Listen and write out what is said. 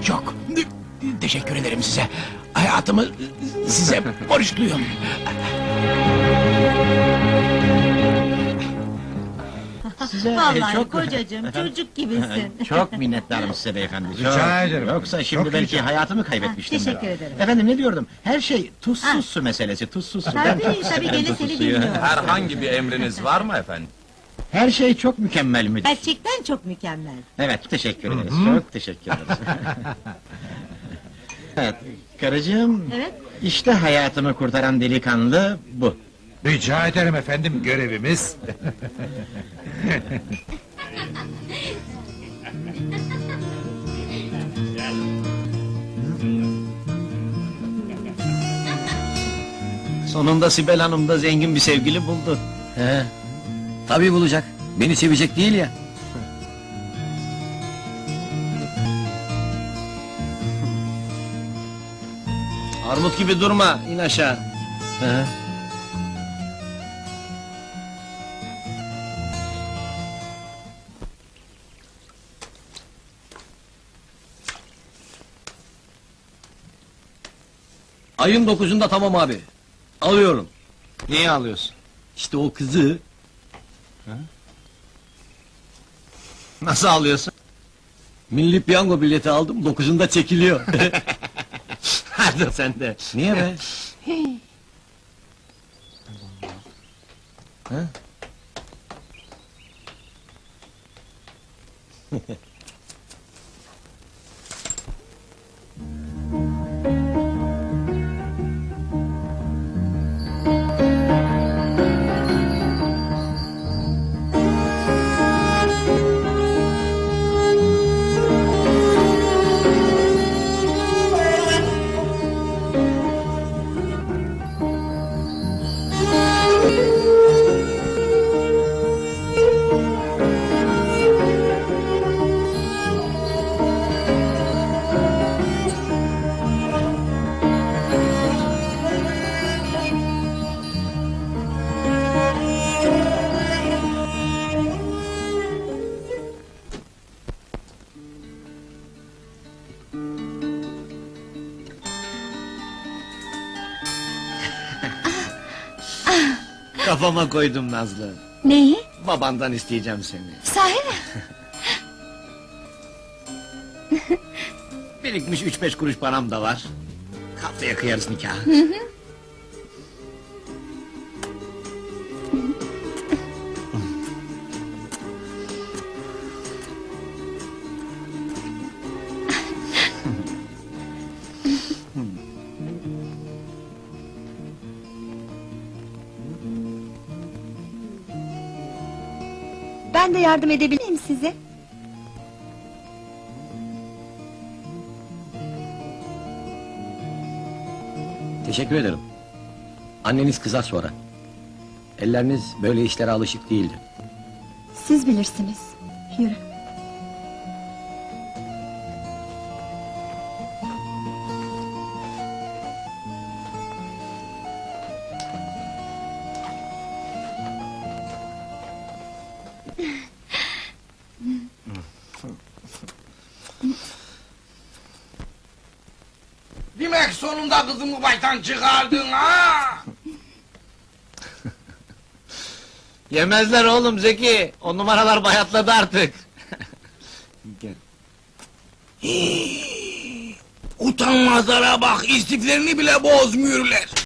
Çok teşekkür ederim size. Hayatımı size borçluyum. Vallahi kocacığım, çocuk gibisin. Çok minnettarım size beyefendi. Çok. Rica ederim. Yoksa şimdi Çok belki rica. hayatımı kaybetmiştim. Teşekkür ederim. Efendim ne diyordum? Her şey tuzsuz su meselesi, tuzsuz su. Ben çok Tabii, severim gene tuzsuz seni suyu. dinliyorum. Herhangi bir emriniz var mı efendim? Her şey çok mükemmel müdür. Gerçekten çok mükemmel. Evet, teşekkür ederiz. Çok teşekkür ederiz. Evet, karıcığım. Evet. İşte hayatımı kurtaran delikanlı bu. Rica ederim efendim, görevimiz. Sonunda Sibel Hanım da zengin bir sevgili buldu. He. Tabii bulacak. Beni sevecek değil ya. Armut gibi durma, in aşağı. He. Ayın 9'unda tamam abi. Alıyorum. Niye alıyorsun? İşte o kızı Nasıl alıyorsun? milli piyango bileti aldım, 9'unda çekiliyor. Hadi sen de. Niye be? Kafama koydum Nazlı. Neyi? Babandan isteyeceğim seni. Sahi mi? Birikmiş 3-5 kuruş param da var. Haftaya kıyarız nikahı. Ben de yardım edebilir miyim size? Teşekkür ederim. Anneniz kızar sonra. Elleriniz böyle işlere alışık değildi. Siz bilirsiniz. Yürü. Demek sonunda kızımı baştan çıkardın ha! Yemezler oğlum Zeki. O numaralar bayatladı artık. Utanmazlara bak, istiflerini bile bozmuyorlar.